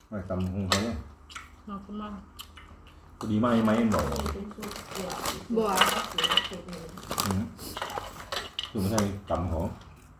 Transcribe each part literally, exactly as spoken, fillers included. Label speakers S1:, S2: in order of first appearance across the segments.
S1: ไม่ตำคงเขาเนี่ย
S2: นอกขึ้นมา
S1: พอดีไหมไหมบอก
S2: บัว
S1: อืมคือไม่ใช่ตำของ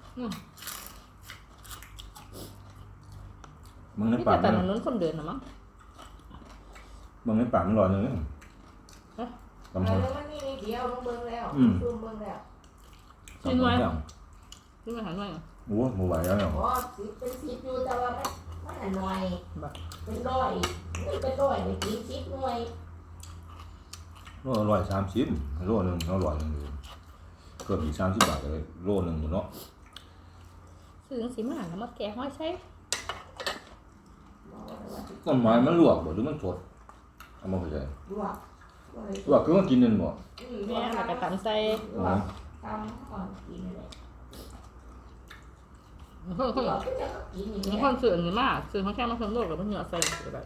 S1: มึงใน
S2: นี่
S1: ปา
S2: แต่
S1: ก
S2: แต่
S1: มัน
S2: นั้นคนเดินนะมั้ง
S1: มึงในปากมันลอยเลยตำ
S3: เอา
S1: ของ
S3: แล้วมันนี่เดียวลงเบิ่งแล้วซูมเบิ่งแล้ว
S1: ตำของอย่าง
S2: ที่มาหันไว้
S1: โอ้โหไหวแล้วเนี่ย
S3: อ๋อสิเป็นสิบอยู่แต่ว่ามันมันหน่อยเป็นร้อยนี่เป็นร้อยไปกี่สิบหน่วย
S1: โลอร่อยสามสิบโลหนึ่งอร่อยหนึ่งเกือบอีกสามสิบบาทเลยโลหนึ่งหมดเนาะ
S2: ซื้อสีมาหันแล้วมาแกะห้อยใช้
S1: ต้นไม้มันลวกบ่หรือมันสดเอามาไปใส่
S3: ลวก
S1: ลวกคือมันกินนั่นบ่
S2: แม่แล้วก็ตำใส่
S3: ลวกตำก่อนกินเลย
S2: คน
S3: ล
S2: คน
S3: วกก็จะกินอย่าง
S2: มี
S3: เงี้ย
S2: คนซื้ออันนี้มาซื้อเขาแค่มาเพิ่มโลกแล้วมันเหนียวใส่แบบ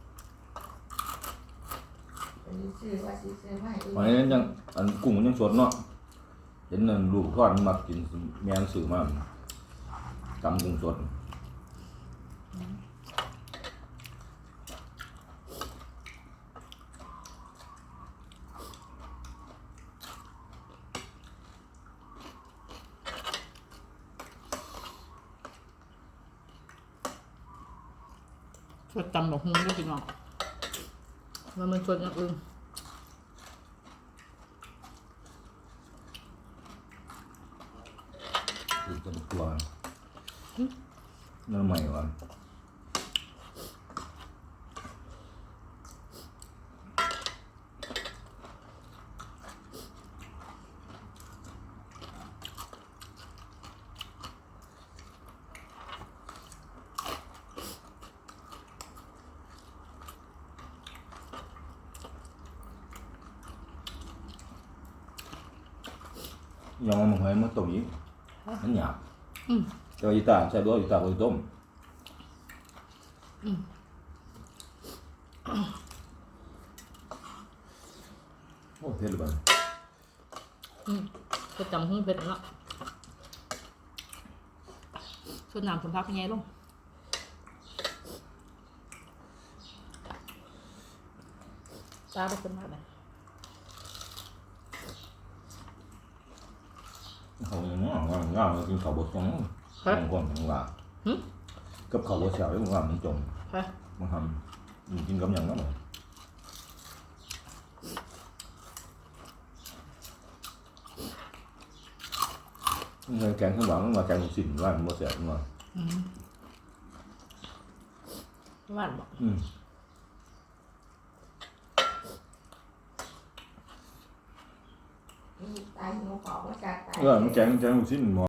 S3: ซื้อว่าซื้อซื้อมา
S1: เพราะฉะนั้นยังอันกุ้งมันยังสดเนาะเห็นนั่นลูกทอดมันมากินแม่นซื้อมาตำกุ้งสด
S2: ชดตำดอกฮุ้งด้วยพี่น้องมันมันชดอย่างอื่น
S1: คือจะตัวนั่นใหม่ว่ะยังเอามาให้มันต้มอีกมันหยาบ
S2: อืม
S1: แต่ว่าอีตาใส่ด้วยอีตาบ่ได้ต้ม
S2: อืม
S1: โอ้เผ็ดหรือเปล่า
S2: อืมชดตำฮุ้งเป็นเนาะชดน้ำสมพักยังไงลงตาไปคนมากเลย
S1: เขาอย่างงี้ว่าง่ายกินข้าวบดสองบางคนมันว่ากับข้าวบดเช้าแล้วมันว่ามันจม
S2: ฮะ
S1: มันทำมันกินกับอย่างนั้นเหรอเงินแกงข้างหลังมันมาแกงหมูสินว่ามันบ่แซ่บมันว่า
S2: อืมหวานบอก
S1: อืม
S3: ตายหัวเข่ามาจากตาย
S1: เออมันแกงแกงหมูสินหมอ